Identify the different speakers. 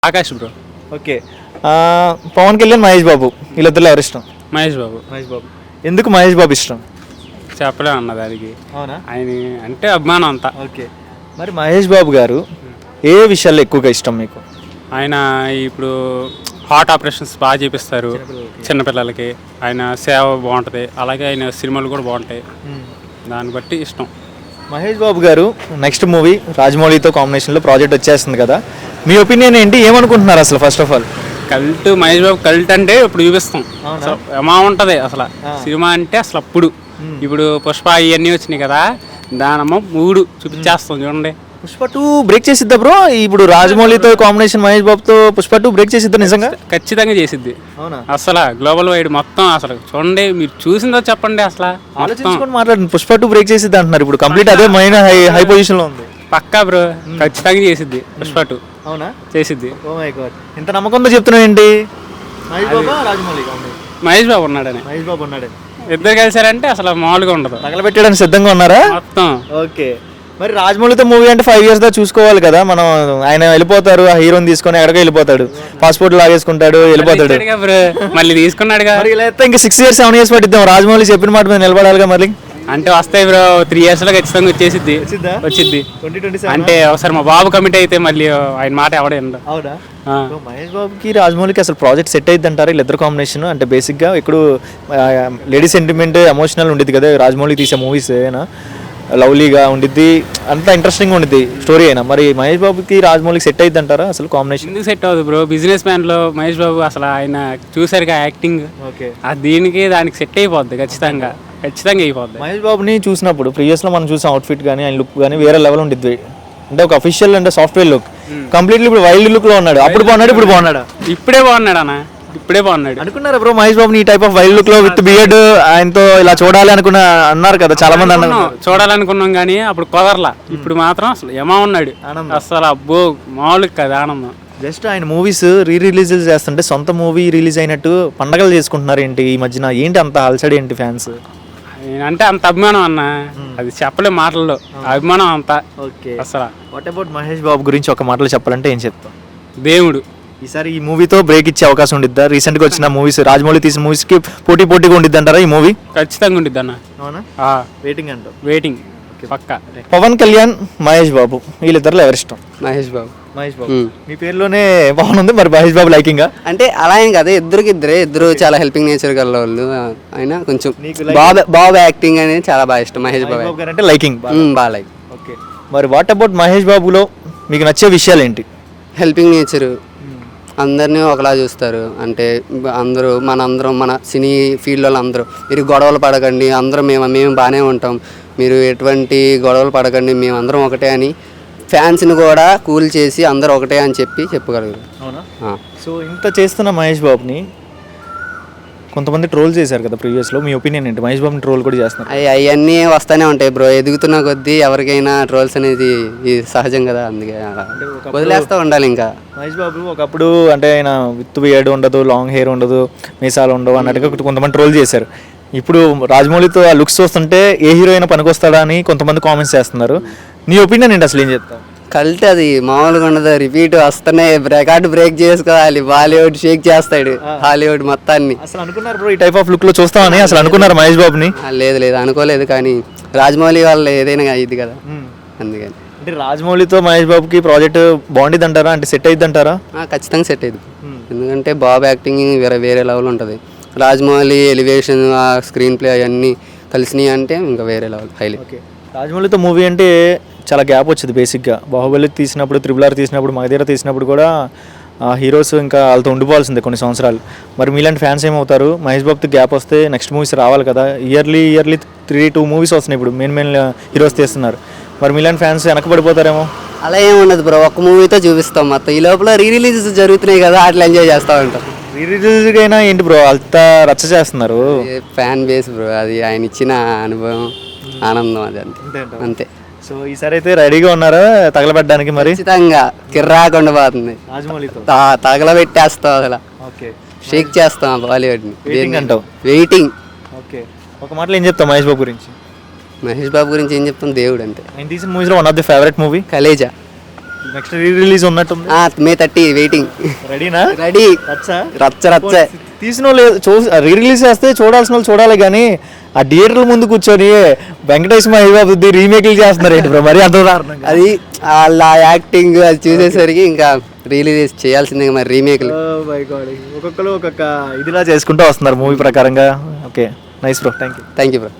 Speaker 1: Akash bro.
Speaker 2: Okay. Pawan Kalyan, Mahesh Babu వీళ్ళిద్దరిలో ఎవరు ఇష్టం?
Speaker 1: మహేష్ బాబు.
Speaker 2: మహేష్ బాబు. ఎందుకు మహేష్ బాబు ఇష్టం?
Speaker 1: చెప్పలేము అన్న దానికి.
Speaker 2: అవునా?
Speaker 1: ఆయన అంటే అభిమానం అంతా.
Speaker 2: ఓకే. మరి మహేష్ బాబు గారు ఏ విషయాల్లో ఎక్కువగా ఇష్టం మీకు?
Speaker 1: ఆయన ఇప్పుడు హార్ట్ ఆపరేషన్స్ బాగా చేపిస్తారు చిన్నపిల్లలకి. ఆయన సేవ బాగుంటుంది, అలాగే ఆయన సినిమాలు కూడా బాగుంటాయి, దాన్ని బట్టి ఇష్టం.
Speaker 2: మహేష్ బాబు గారు నెక్స్ట్ మూవీ రాజమౌళితో కాంబినేషన్లో ప్రాజెక్ట్ వచ్చేస్తుంది కదా, మీ ఒపీనియన్ ఏంటి? ఏమనుకుంటున్నారు అసలు? First of all
Speaker 1: cult, Mahesh Babu cult అంటే ఇప్పుడు చూపిస్తాం. ఏమా ఉంటుంది అసలు సినిమా అంటే అసలు అప్పుడు. ఇప్పుడు పుష్ప ఇవన్నీ వచ్చినాయి కదా, దానమ్మ మూడు చూపించేస్తాం చూడండి.
Speaker 2: పుష్ప 2 బ్రేక్ చేసిద్దా బ్రో? ఇప్పుడు రాజమౌళితో కాంబినేషన్ మహేష్ బాబుతో పుష్ప 2 బ్రేక్ చేసిద్దా నిజంగా?
Speaker 1: ఖచ్చితంగా చేసిద్ది.
Speaker 2: అవునా?
Speaker 1: అసలు గ్లోబల్ వైడ్ మొత్తం అసలు చూడండి, మీరు చూసిందో చెప్పండి. అసలు
Speaker 2: ఆలోచించుకొని మాట్లాడండి. పుష్ప 2 బ్రేక్ చేసిద్ది అంటున్నారు, ఇప్పుడు కంప్లీట్ అదే మైన్ హై పొజిషన్ లో ఉంది.
Speaker 1: పక్కా బ్రో, ఖచ్చితంగా చేసిద్ది పుష్ప 2.
Speaker 2: అవునా?
Speaker 1: చేసిద్ది.
Speaker 2: ఓ మై గాడ్, ఇంత నమ్మకంతో చెప్తున్నావు ఏంటి? మహేష్ బాబు రాజమౌళి?
Speaker 1: మహేష్ బాబు ఉన్నాడని.
Speaker 2: మహేష్ బాబు ఉన్నాడు.
Speaker 1: ఇద్దరు కలిసారంటే అసలు మామూలుగా ఉండదు.
Speaker 2: తగలబెట్టడానికి సిద్ధంగా ఉన్నారా మొత్తం? ఓకే. మరి రాజమౌళితో మూవీ అంటే 5 years దా చూసుకోవాలి కదా మనం. ఆయన వెళ్ళిపోతారు, ఆ హీరోని తీసుకొని ఎక్కడికో వెళ్ళిపోతాడు, పాస్పోర్ట్ లాగేసుకుంటాడు, వెళ్ళిపోతాడు.
Speaker 1: మళ్ళీ తీసుకున్నాడుగా.
Speaker 2: ఇలా అయితే ఇంకా 6 years 7 years పట్టిద్దాం. రాజమౌళి చెప్పిన మాట మీద నిలబడాలిగా మళ్ళీ.
Speaker 1: అంటే వస్తాయి బ్రో, 3 years లో ఖచ్చితంగా వచ్చేసిద్ది. వచ్చిద్ది అంటే ఒకసారి మా బాబు కమిట్ అయితే మళ్ళీ ఆయన మాట ఎవడే.
Speaker 2: అవునా? మహేష్ బాబుకి రాజమౌళికి అసలు ప్రాజెక్ట్ సెట్ అయ్యింది అంటారా వీళ్ళిద్దరు కాంబినేషన్? అంటే బేసిక్గా ఇప్పుడు లేడీ సెంటిమెంట్ ఎమోషనల్ ఉండిద్ది కదా రాజమౌళి తీసే మూవీస్, అయినా లవ్లీగా ఉండిద్ది, అంతా ఇంట్రెస్టింగ్ ఉండిద్ది స్టోరీ అయినా. మరి మహేష్ బాబుకి రాజమౌళికి సెట్ అయ్యింది అంటారా అసలు కాంబినేషన్?
Speaker 1: ఎందుకు సెట్ అవుతుంది బ్రో? బిజినెస్ మ్యాన్ లో మహేష్ బాబు అసలు ఆయన చూసారుగా యాక్టింగ్.
Speaker 2: ఓకే.
Speaker 1: దీనికి దానికి సెట్ అయిపోద్ది, ఖచ్చితంగా అయిపోద్ది.
Speaker 2: మహేష్ బాబుని చూసినప్పుడు ప్రీవియస్ లో మనం చూసిన అవుట్ఫిట్ కానీ ఆయన లుక్ కానీ వేరే లెవెల్ ఉండిద్ది. అంటే ఒక అఫీషియల్ అంటే సాఫ్ట్వేర్ లుక్, కంప్లీట్లీ ఇప్పుడు వైల్డ్ లుక్ లో ఉన్నాడు. అప్పుడు బాగున్నాడు, ఇప్పుడు బాగున్నాడా?
Speaker 1: ఇప్పుడే బాగున్నాడు అన్న, ఇప్పుడే బాగున్నాడు.
Speaker 2: అనుకున్నారా బ్రో మహేష్ బాబుని ఈ టైప్ ఆఫ్ వైల్డ్ లుక్ లో విత్ బియర్డ్ ఆయనతో ఇలా చూడాలి అన్నారు కదా చాలా మంది అన్నారు.
Speaker 1: చూడాలనుకున్నాం కానీ అప్పుడు కుదరలా. ఇప్పుడు మాత్రం అసలు ఏమా ఉన్నాడు అసలు, అబ్బో మామూలుగా కదా ఆనందం.
Speaker 2: జస్ట్ ఆయన మూవీస్ రిలీజ్ చేస్తుంటే సొంత మూవీ రిలీజ్ అయినట్టు పండగలు చేసుకుంటున్నారు ఏంటి ఈ మధ్యన? ఏంటి అంత అలసడి ఏంటి ఫ్యాన్స్?
Speaker 1: అంటే అంత అభిమానం అన్న, అది చెప్పలే మాటల్లో. అభిమానం అంతా.
Speaker 2: ఓకే.
Speaker 1: అసలు
Speaker 2: వాట్ అబౌట్ మహేష్ బాబు గురించి ఒక మాటలో చెప్పాలంటే ఏం చెప్తాం?
Speaker 1: దేవుడు.
Speaker 2: ఈసారి ఈ మూవీతో బ్రేక్ ఇచ్చే అవకాశం ఉండిద్దా? రీసెంట్ గా వచ్చిన మూవీస్, రాజమౌళి తీసిన మూవీస్ కి పోటీగా ఉండిద్ది అంటారా ఈ మూవీ?
Speaker 1: ఖచ్చితంగా ఉండిద్ది అన్న.
Speaker 2: అవునా? వెయిటింగ్ అంటావు?
Speaker 1: వెయిటింగ్ పక్కా.
Speaker 2: పవన్ కళ్యాణ్, మహేష్ బాబు వీళ్ళిద్దరిలో ఎవరు ఇష్టం?
Speaker 3: మహేష్ బాబు.
Speaker 2: మహేష్ బాబు. మీ పేరులోనే పవన్ ఉంది, మరి మహేష్ బాబు లైకింగ్?
Speaker 3: అంటే అలా ఏం కదా, ఇద్దరు చాలా హెల్పింగ్ నేచర్ గల వాళ్ళు. ఆయన కొంచెం బాబు యాక్టింగ్ అనేది చాలా బాగా ఇష్టం. మహేష్ బాబు
Speaker 2: గారు అంటే లైకింగ్
Speaker 3: బాగా లైక్.
Speaker 2: ఓకే. మరి వాట్ అబౌట్ మహేష్ బాబులో మీకు నచ్చే విషయాలు ఏంటి?
Speaker 3: హెల్పింగ్ నేచరు, అందరినీ ఒకలా చూస్తారు. అంటే మనందరం మన సినీ ఫీల్డ్ వాళ్ళు అందరూ, మీరు గొడవలు పడకండి, అందరం మేము బాగానే ఉంటాం, మీరు ఎటువంటి గొడవలు పడకండి, మేమందరం ఒకటే అని ఫ్యాన్స్ని కూడా కూల్ చేసి అందరూ ఒకటే అని చెప్పగలరు.
Speaker 2: అవునా? సో ఇంత చేస్తున్న మహేష్ బాబుని కొంతమంది ట్రోల్ చేశారు కదా ప్రీవియస్లో, మీ ఒపీనియన్ ఏంటి? మహేష్ బాబుని ట్రోల్ కూడా చేస్తున్నారు.
Speaker 3: అవన్నీ వస్తూనే ఉంటాయి బ్రో, ఎదుగుతున్న కొద్దీ ఎవరికైనా ట్రోల్స్ అనేది సహజం కదా, అందుకే వదిలేస్తూ ఉండాలి. ఇంకా
Speaker 2: మహేష్ బాబు ఒకప్పుడు అంటే ఆయన విత్ బియర్డ్ ఉండదు, లాంగ్ హెయిర్ ఉండదు, మీసాలు ఉండవు అన్నట్టుగా కొంతమంది ట్రోల్ చేశారు. ఇప్పుడు రాజమౌళితో ఆ లుక్స్ చూస్తుంటే ఏ హీరో అయినా పనికొస్తాడా అని కొంతమంది కామెంట్స్ చేస్తున్నారు. నీ ఒపీనియన్ ఏంటి అసలు? ఏం చెప్తావు?
Speaker 3: కల్ట్ అది మామూలుగా ఉండదు, రిపీట్ వస్తూనే రికార్డు బ్రేక్ చేసుకోవాలి. బాలీవుడ్ షేక్ చేస్తాడు హాలీవుడ్ మొత్తాన్ని.
Speaker 2: అసలు అనుకున్నారు బ్రో ఈ టైప్ ఆఫ్ లుక్ లో చూస్తామని? అసలు అనుకున్నారు మహేష్ బాబుని?
Speaker 3: లేదు అనుకోలేదు, కానీ రాజమౌళి వాళ్ళు ఏదైనా ఇది కదా, అందుకని.
Speaker 2: అంటే రాజమౌళితో మహేష్ బాబుకి ప్రాజెక్ట్ బాగుండిద్ది అంటారా? అంటే సెట్ అయ్యిద్ది అంటారా?
Speaker 3: ఖచ్చితంగా సెట్ అయ్యింది. ఎందుకంటే బాబు యాక్టింగ్ వేరే లెవెల్ ఉంటుంది. రాజమౌళి ఎలివేషన్, ఆ స్క్రీన్ ప్లే అవన్నీ కలిసినాయి అంటే ఇంకా వేరే లెవెల్, హైలైట్.
Speaker 2: ఓకే. రాజమౌళితో మూవీ అంటే చాలా గ్యాప్ వచ్చింది బేసిక్గా. బాహుబలి తీసినప్పుడు, RRR తీసినప్పుడు, మగధీర తీసినప్పుడు కూడా హీరోస్ ఇంకా వాళ్ళతో ఉండిపోవాల్సిందే కొన్ని సంవత్సరాలు. మరి మీలాంటి ఫ్యాన్స్ ఏమవుతారు? మహేష్ బాబుతో గ్యాప్ వస్తే నెక్స్ట్ మూవీస్ రావాలి కదా, ఇయర్లీ 2 మూవీస్ వస్తున్నాయి ఇప్పుడు మెయిన్ హీరోస్ తీస్తున్నారు. మరి మీలాంటి ఫ్యాన్స్ వెనకబడిపోతారేమో?
Speaker 3: అలా ఏముండదు బ్రో, ఒక్క మూవీతో చూపిస్తాం మొత్తం. ఈ లోపల రిలీజ్ జరుగుతున్నాయి కదా, అట్లా ఎంజాయ్ చేస్తూ ఉంటాం.
Speaker 2: రిలీజ్ అయినా ఏంటి బ్రో అంత రచ్చ చేస్తున్నారు?
Speaker 3: ఫ్యాన్ బేస్ బ్రో, అది ఆయన ఇచ్చిన అనుభవం, ఆనందం, అది అంతే. సో
Speaker 2: ఈసారి అయితే రెడీగా ఉన్నారా తగలబెట్టడానికి? మరి
Speaker 3: ఖచ్చితంగా కిర్రాకుండా పోతుంది, తగలబెట్టేస్తాం, అసలు షేక్ చేస్తాం బాలీవుడ్ని. వెయిటింగ్.
Speaker 2: ఓకే. ఒక మాటలో ఏం చెప్తాం మహేష్ బాబు గురించి?
Speaker 3: మహేష్ బాబు గురించి ఏం చెప్తాం, దేవుడు అంతే.
Speaker 2: ఆయన తీసిన మూవీస్లో one of the favourite movie
Speaker 3: Khaleja.
Speaker 2: Next re release ఉన్నట్టుంది.
Speaker 3: May 30 waiting.
Speaker 2: రెడీనా?
Speaker 3: రెడీ. రచ్చ
Speaker 2: తీసిన వాళ్ళు రీ రిలీజ్ చేస్తే చూడాల్సిన వాళ్ళు చూడాలి, కానీ ఆ థియేటర్ల ముందు కూర్చొని వెంకటేష్ మహేబాబుది రీమేక్లు చేస్తున్నారు ఏంటి బ్రో, మరి అంత దారుణంగా.
Speaker 3: అది వాళ్ళ యాక్టింగ్ అది చూసేసరికి ఇంకా రిలీజ్ చేయాల్సిందే మరి రీమేక్లు.
Speaker 2: ఒక్కొక్కరు ఒక్కొక్క ఇదిలా చేసుకుంటూ వస్తున్నారు మూవీ ప్రకారంగా. Okay, nice bro, thank you.
Speaker 3: Thank you bro.